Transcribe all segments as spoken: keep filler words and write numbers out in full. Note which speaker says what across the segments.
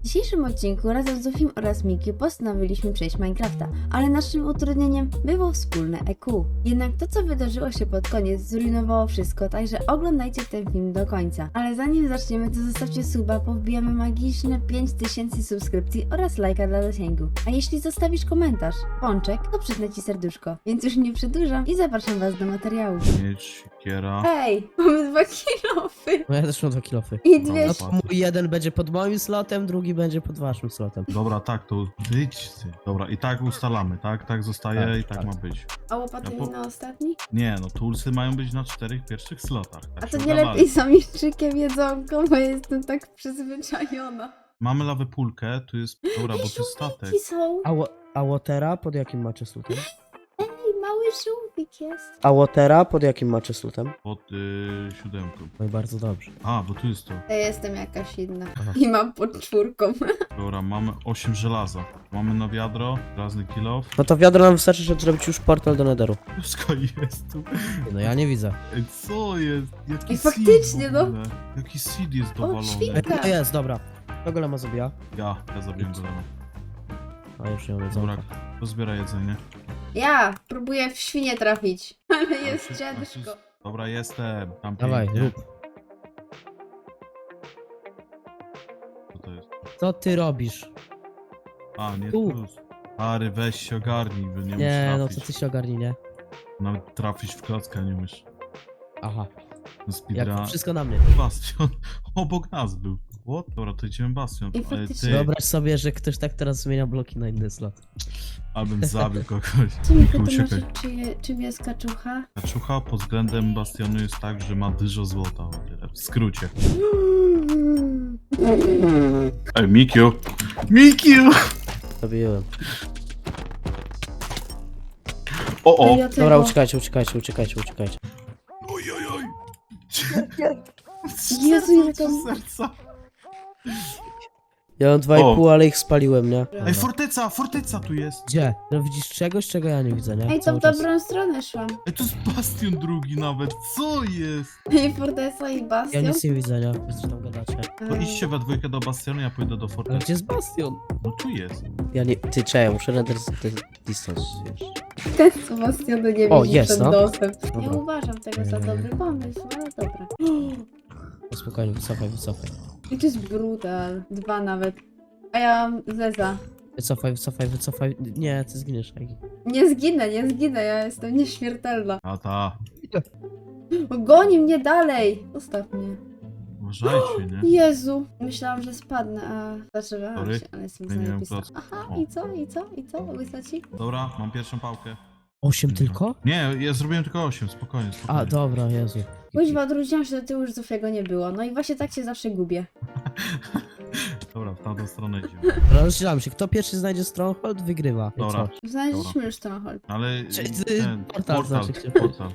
Speaker 1: dzisiejszym odcinku razem z Zofim oraz Miki postanowiliśmy przejść Minecrafta, ale naszym utrudnieniem było wspólne E Q. Jednak to, co wydarzyło się pod koniec, zrujnowało wszystko, także oglądajcie ten film do końca. Ale zanim zaczniemy, to zostawcie suba, bo wbijamy magiczne pięć tysięcy subskrypcji oraz lajka dla zasięgu. A jeśli zostawisz komentarz, pączek, to przyznę ci serduszko. Więc już nie przedłużam i zapraszam was do materiału.
Speaker 2: Mieć, siekiera.
Speaker 1: Hej, mamy dwa kilofy
Speaker 3: No ja też mam dwa kilofy.
Speaker 1: i dwie...
Speaker 2: No,
Speaker 3: No, mój jeden będzie pod moim slotem, drugi będzie pod waszym slotem.
Speaker 2: Dobra, tak, to wyjdź ty. Dobra, i tak ustalamy, tak? Tak zostaje
Speaker 3: Tak,
Speaker 2: i tak,
Speaker 3: tak.
Speaker 2: ma być.
Speaker 1: A łopaty
Speaker 2: Ja po-
Speaker 1: na ostatni?
Speaker 2: Nie, no toolsy mają być na czterech pierwszych slotach. Tak
Speaker 1: A
Speaker 2: się
Speaker 1: to nie
Speaker 2: ugadali.
Speaker 1: lepiej z omiszczykiem jedzonko, bo jestem tak przyzwyczajona.
Speaker 2: Mamy lawę pulkę, tu jest... Dobra, bo tu jest statek.
Speaker 1: Żółwiki są.
Speaker 3: A, wo- a Watera pod jakim macie slotem?
Speaker 1: Ej, mały żółwik jest.
Speaker 3: A Watera pod jakim macie slotem?
Speaker 2: Pod y, siódemką.
Speaker 3: No i bardzo dobrze.
Speaker 2: A, bo tu jest to.
Speaker 1: Ja jestem jakaś inna.
Speaker 3: Aha.
Speaker 1: I mam pod czwórką.
Speaker 2: Dobra, mamy osiem żelaza. Mamy na wiadro, razny kill off.
Speaker 3: No to wiadro nam wystarczy, żeby zrobić już portal do Netheru.
Speaker 2: Wszystko jest tu.
Speaker 3: No ja nie widzę.
Speaker 2: Ej, co jest? Jaki
Speaker 1: Ej,
Speaker 2: seed
Speaker 1: faktycznie,
Speaker 2: w
Speaker 1: no.
Speaker 2: ogóle? Jaki seed jest dowalony?
Speaker 1: świnka.
Speaker 3: Ej, to jest, dobra. To golema zabija.
Speaker 2: Ja, ja zabiję golema.
Speaker 3: A już nie mam
Speaker 2: Dobra,
Speaker 3: jedzonka.
Speaker 2: to zbiera jedzenie.
Speaker 1: Ja próbuję w świnie trafić. Ale jest
Speaker 2: Znaczy-
Speaker 1: ciężko.
Speaker 2: znaczy- Dobra, jestem. Tam
Speaker 3: Dawaj,
Speaker 2: pięknie.
Speaker 3: rób.
Speaker 2: Co to jest?
Speaker 3: Co ty robisz?
Speaker 2: A, nie
Speaker 3: Tu.
Speaker 2: plus. Ary, weź się ogarnij, bo nie,
Speaker 3: Nie,
Speaker 2: umiesz
Speaker 3: no
Speaker 2: trafić.
Speaker 3: to ty się ogarnij, nie?
Speaker 2: Nawet trafić w klockę nie umiesz.
Speaker 3: Aha.
Speaker 2: No speedrun.
Speaker 3: Jak wszystko na mnie.
Speaker 2: Bastion. Obok nas był. What? Dobra, to idziemy Bastion.
Speaker 1: I
Speaker 2: Ale
Speaker 1: faktycznie-
Speaker 2: ty,
Speaker 3: Wyobraź sobie, że ktoś tak teraz zmienia bloki na inny slot.
Speaker 2: abym zabił kogoś.
Speaker 1: Co mi
Speaker 2: Miku,
Speaker 1: to
Speaker 2: uciekaj.
Speaker 1: znaczy, czy, je- czym jest kaczucha?
Speaker 2: Kaczucha pod względem Bastionu jest tak, że ma dużo złota. o tyle. W skrócie. Ej, Mikiu! Mikiu!
Speaker 3: Zabiłem.
Speaker 2: O, o!
Speaker 1: Ja tego-
Speaker 3: Dobra, uciekajcie, uciekajcie, uciekajcie, uciekajcie.
Speaker 2: Oj, oj, oj!
Speaker 1: Jezu, ile tam-
Speaker 2: serca!
Speaker 3: Ja mam dwa i
Speaker 2: O.
Speaker 3: pół, ale ich spaliłem, nie?
Speaker 2: Ej, forteca! Forteca tu jest!
Speaker 3: Gdzie? No widzisz czegoś, czego ja nie widzę, nie?
Speaker 1: Ej, to
Speaker 3: Cały
Speaker 1: w
Speaker 3: czas.
Speaker 1: dobrą stronę szłam.
Speaker 2: Ej, to jest Bastion drugi nawet! Co jest?
Speaker 1: I Fortesa i
Speaker 3: Ja
Speaker 1: Bastion.
Speaker 3: nic nie widzę, nie? Wy co tam gadacie?
Speaker 2: To
Speaker 1: Ej.
Speaker 2: idźcie we dwójkę do Bastionu, ja pójdę do
Speaker 3: Ale
Speaker 2: fortecy.
Speaker 3: gdzie jest Bastion?
Speaker 2: No tu jest.
Speaker 3: Ja nie... Ty, czekaj, muszę render distance, wiesz.
Speaker 1: Ten co Bastionu nie
Speaker 3: O,
Speaker 1: widzi
Speaker 3: jest,
Speaker 1: przed
Speaker 3: no.
Speaker 1: nosem. Nie
Speaker 3: Dobra.
Speaker 1: uważam tego za dobry pomysł, ale dobra.
Speaker 3: No spokojnie, wycofaj, wycofaj.
Speaker 1: I to jest brutal. Dwa nawet. A ja mam zeza.
Speaker 3: Wycofaj, wycofaj, wycofaj. Nie, ty zginiesz, Egi.
Speaker 1: Nie zginę, nie zginę, ja jestem nieśmiertelna.
Speaker 2: A ta.
Speaker 1: Goni mnie dalej! Zostaw mnie.
Speaker 2: Uważajcie, nie?
Speaker 1: Jezu! Myślałam, że spadnę, a zaczęłam
Speaker 2: Sorry,
Speaker 1: się, ale jestem
Speaker 2: zmieniłem
Speaker 1: zajebista.
Speaker 2: kloc.
Speaker 1: Aha,
Speaker 2: O.
Speaker 1: i co, i co, i co? Wysaci?
Speaker 2: Dobra, mam pierwszą pałkę.
Speaker 3: Osiem tylko?
Speaker 2: Nie, ja zrobiłem tylko osiem, spokojnie, spokojnie.
Speaker 3: A, dobra, Jezu.
Speaker 1: Kuźwa, odwróciłam się do tyłu, już Zofiego nie było. No i właśnie tak się zawsze gubię.
Speaker 2: Dobra, w tamtą stronę idziemy.
Speaker 3: Rozstrzelam się, kto pierwszy znajdzie Stronghold, wygrywa. I
Speaker 2: Dobra.
Speaker 3: co?
Speaker 1: Znaleźliśmy już Stronghold.
Speaker 2: Ale
Speaker 3: Czyli ty-
Speaker 2: ten,
Speaker 3: portal
Speaker 2: portal,
Speaker 3: znaczy się.
Speaker 2: portal.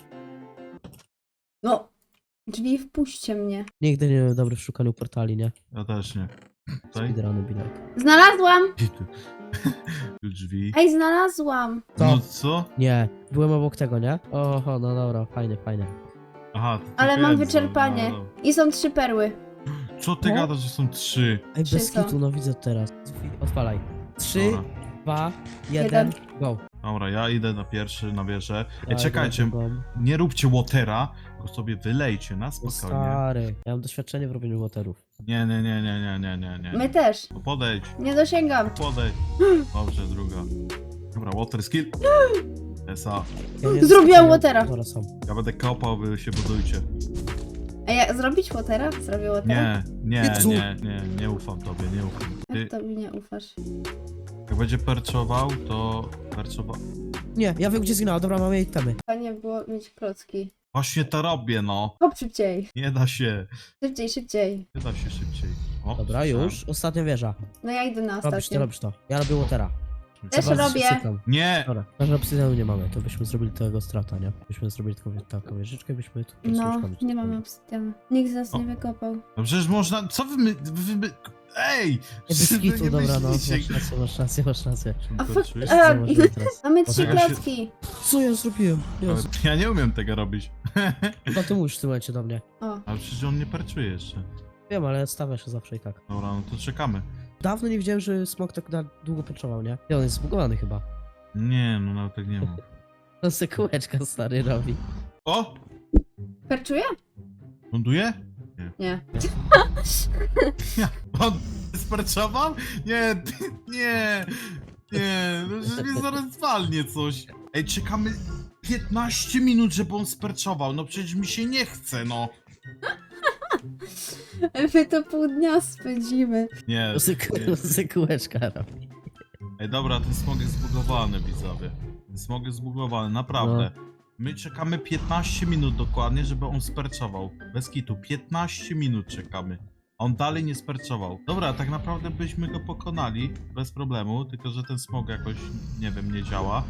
Speaker 1: No! Drzwi, wpuśćcie mnie.
Speaker 3: Nigdy nie byłem dobry w szukaniu portali, nie?
Speaker 2: Ja też nie. Tutaj?
Speaker 3: Speedruny bilek.
Speaker 1: Znalazłam!
Speaker 2: I tu. Tu drzwi.
Speaker 1: Ej, znalazłam!
Speaker 3: Co?
Speaker 2: No co?
Speaker 3: Nie, byłem obok tego, nie? Oho, no dobra, fajnie, fajnie.
Speaker 2: Aha, to
Speaker 1: Ale
Speaker 2: tylko
Speaker 1: mam
Speaker 2: jeden,
Speaker 1: wyczerpanie.
Speaker 2: no, no.
Speaker 1: I są trzy perły.
Speaker 2: Co ty
Speaker 3: No.
Speaker 2: gadasz, że są trzy?
Speaker 3: Ej,
Speaker 1: Trzy
Speaker 3: bez
Speaker 1: są.
Speaker 3: kitu, no widzę teraz. Odpalaj. Trzy,
Speaker 2: Dobra.
Speaker 3: dwa, jeden, go.
Speaker 2: Dobra, ja idę na pierwszy, na wieżę.
Speaker 3: Ja
Speaker 2: Ej, czekajcie,
Speaker 3: idę na drugą.
Speaker 2: nie róbcie watera, tylko sobie wylejcie na
Speaker 3: O,
Speaker 2: spokojnie.
Speaker 3: stary, ja mam doświadczenie w robieniu waterów.
Speaker 2: Nie, nie, nie, nie, nie, nie, nie, nie.
Speaker 1: My też.
Speaker 2: No podejdź,
Speaker 1: Nie dosięgam.
Speaker 2: podejdź. Dobrze, druga. Dobra, water skill. Esa.
Speaker 3: Ja nie
Speaker 1: Zrobiłam
Speaker 3: ja-
Speaker 1: watera.
Speaker 3: Dobra, są.
Speaker 2: Ja będę kopał, wy się budujcie.
Speaker 1: A ja zrobić Watera? Zrobię Watera?
Speaker 2: Nie, nie,
Speaker 3: Jezu.
Speaker 2: nie, nie, nie ufam tobie, nie ufam. Ty,
Speaker 1: Jak to mi nie ufasz?
Speaker 2: jak będzie perczował, to perczował.
Speaker 3: Nie, ja wiem gdzie zginęła, dobra, mamy jej temy.
Speaker 1: Fajnie było mieć klocki.
Speaker 2: Właśnie to robię, no.
Speaker 1: Hop, szybciej.
Speaker 2: Nie da się.
Speaker 1: Szybciej, szybciej.
Speaker 2: Nie da się szybciej. O,
Speaker 3: Dobra,
Speaker 2: słyszałem.
Speaker 3: już, ostatnia wieża.
Speaker 1: No ja idę na
Speaker 3: Robisz to,
Speaker 1: ostatnią.
Speaker 3: robisz to. Ja robię watera.
Speaker 1: Też
Speaker 3: Chyba
Speaker 1: robię.
Speaker 3: cykam.
Speaker 2: Nie!
Speaker 3: Dobra, może obsydianu nie mamy, to byśmy zrobili tego strata, nie? Byśmy zrobili tylko taką wieżyczkę, byśmy tu po prostu
Speaker 1: No,
Speaker 3: łóżkami
Speaker 1: nie mamy obsydianu. Nikt z nas
Speaker 2: O.
Speaker 1: nie wykopał.
Speaker 2: No przecież można. Co wy my. Wy, wy, ej!
Speaker 3: Ej, bez
Speaker 2: Czy wy
Speaker 3: kitu,
Speaker 2: nie
Speaker 3: dobra, no,
Speaker 2: myślicie-
Speaker 3: masz rację, masz rację, masz rację.
Speaker 2: Czym
Speaker 1: A
Speaker 2: to
Speaker 1: fakt-
Speaker 2: czujesz?
Speaker 1: a-
Speaker 3: Co możemy teraz?
Speaker 1: Mamy trzy
Speaker 2: Dlatego się-
Speaker 1: klocki.
Speaker 3: Co ja zrobiłem? Jezu.
Speaker 2: Ja nie umiem tego robić.
Speaker 3: Chyba ty mówisz w tym momencie do mnie.
Speaker 1: O.
Speaker 2: Ale przecież on nie perczuje jeszcze.
Speaker 3: Wiem, ale stawia się zawsze i tak.
Speaker 2: Dobra, no to czekamy.
Speaker 3: dawno nie widziałem, że smok tak na długo poczował, nie? I on jest zbugowany chyba.
Speaker 2: Nie, no nawet tak nie ma.
Speaker 3: On se kółeczka stary robi.
Speaker 2: O!
Speaker 1: Perczuje?
Speaker 2: Ląduje?
Speaker 1: Nie.
Speaker 2: On sparczował? Nie, ty- nie, nie, no przecież mnie zaraz walnie coś. Ej, czekamy piętnaście minut, żeby on sperczował, no przecież mi się nie chce, no.
Speaker 1: My to pół dnia spędzimy.
Speaker 2: Nie,
Speaker 3: On se,
Speaker 2: nie.
Speaker 3: on se kółeczka robi.
Speaker 2: Ej, dobra, ten smog jest zbugowany, widzowie. Ten smog jest zbugowany, naprawdę. My czekamy piętnaście minut dokładnie, żeby on sperczował. Bez kitu, piętnaście minut czekamy. A on dalej nie sperczował. Dobra, tak naprawdę byśmy go pokonali bez problemu, tylko że ten smog jakoś, nie wiem, nie działa.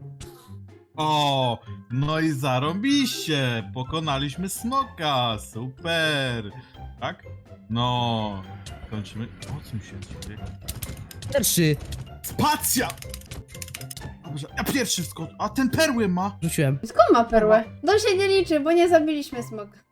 Speaker 2: O, no i zarąbiście! Pokonaliśmy smoka! Super! Tak? No, kończymy. O co mi się dzieje?
Speaker 3: Pierwszy!
Speaker 2: Spacja! Dobrze, ja pierwszy skocz, a ten perły ma!
Speaker 3: Rzuciłem.
Speaker 1: Skąd ma perłę? To się nie liczy, bo nie zabiliśmy smoka.